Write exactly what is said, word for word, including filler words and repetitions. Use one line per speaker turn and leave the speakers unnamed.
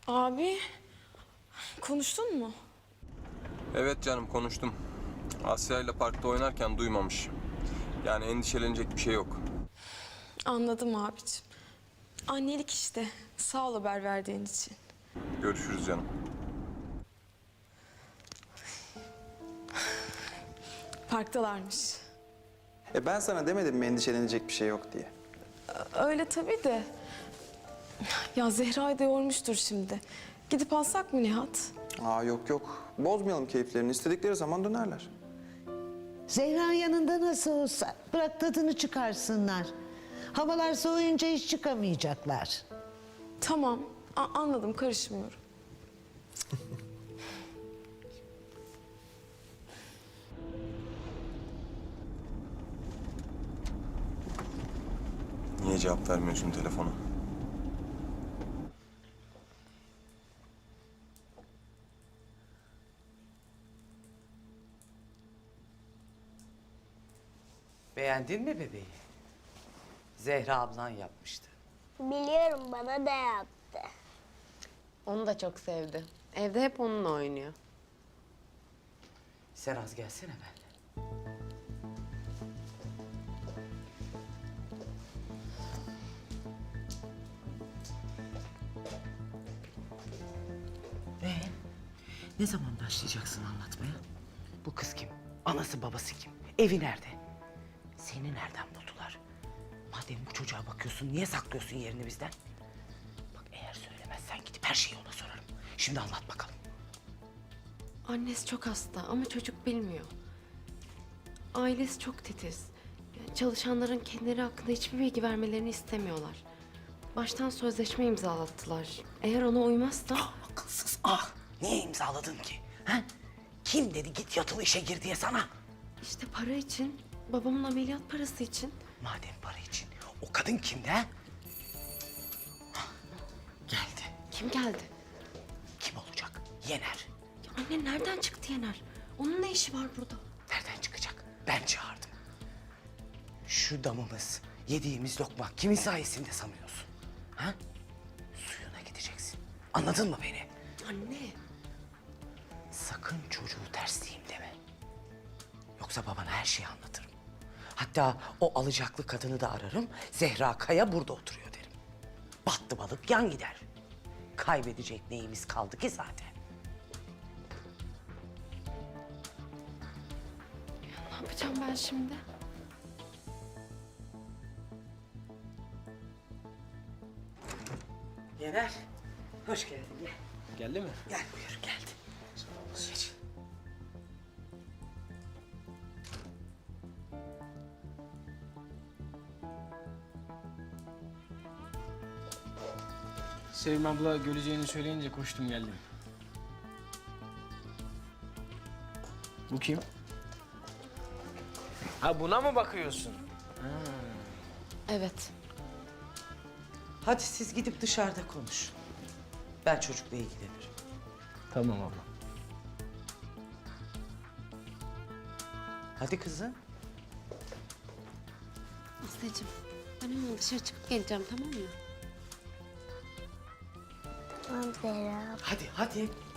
Abi, konuştun mu?
Evet canım konuştum. Asya ile parkta oynarken duymamış. Yani endişelenecek bir şey yok.
Anladım abiciğim. Annelik işte. Sağ ol haber verdiğin için.
Görüşürüz canım.
Parktalarmış.
E ben sana demedim mi endişelenecek bir şey yok diye.
Öyle tabii de. Ya Zehra'yı da yormuştur şimdi. Gidip alsak mı Nihat?
Aa yok yok. Bozmayalım keyiflerini. İstedikleri zaman dönerler.
Zehra yanında nasıl olsa bırak tadını çıkarsınlar. Havalar soğuyunca hiç çıkamayacaklar.
Tamam, a- anladım, karışmıyorum.
Niye cevap vermiyorsun telefona?
Beğendin mi bebeği? Zehra ablan yapmıştı.
Biliyorum, bana da yaptı.
Onu da çok sevdi. Evde hep onunla oynuyor.
Sen az gelsene benimle. Ee, ne zaman başlayacaksın anlatmaya? Bu kız kim? Anası babası kim? Evi nerede? Seni nereden buldular? Madem bu çocuğa bakıyorsun, niye saklıyorsun yerini bizden? Bak eğer söylemezsen gidip her şeyi ona sorarım. Şimdi anlat bakalım.
Annesi çok hasta ama çocuk bilmiyor. Ailesi çok titiz. Yani çalışanların kendileri hakkında hiçbir bilgi vermelerini istemiyorlar. Baştan sözleşme imzalattılar. Eğer ona uymazsa...
Ah akılsız ah! Niye imzaladın ki? Ha? Kim dedi git yatılı işe gir diye sana?
işte para için, babamın ameliyat parası için.
Madem para için, o kadın kimdi ha? Hah, geldi.
Kim geldi?
Kim olacak? Yener.
Ya anne nereden çıktı Yener? Onun ne işi var burada?
Nereden çıkacak? Ben çağırdım. Şu damımız, yediğimiz lokma kimin sayesinde sanıyorsun? Ha? Suyuna gideceksin. Anladın mı beni?
Anne.
Sakın çocuğu tersleyeyim deme. Yoksa babana her şeyi anlatırım. Hatta o alacaklı kadını da ararım. Zehra Kaya burada oturuyor derim. Battı balık yan gider. Kaybedecek neyimiz kaldı ki zaten?
Ne yapacağım ben şimdi?
Yener, hoş geldin. Gel.
Geldi mi?
Gel buyur, geldi. Geç.
Sevim abla göreceğini söyleyince koştum geldim. Bu kim? Ha buna mı bakıyorsun?
Evet.
Hadi siz gidip dışarıda konuşun. Ben çocukla ilgilenirim.
Tamam abla.
Hadi kızım.
Aslıcığım ben hemen dışarı çıkıp geleceğim tamam mı?
Tamam Zehra.
Hadi, hadi.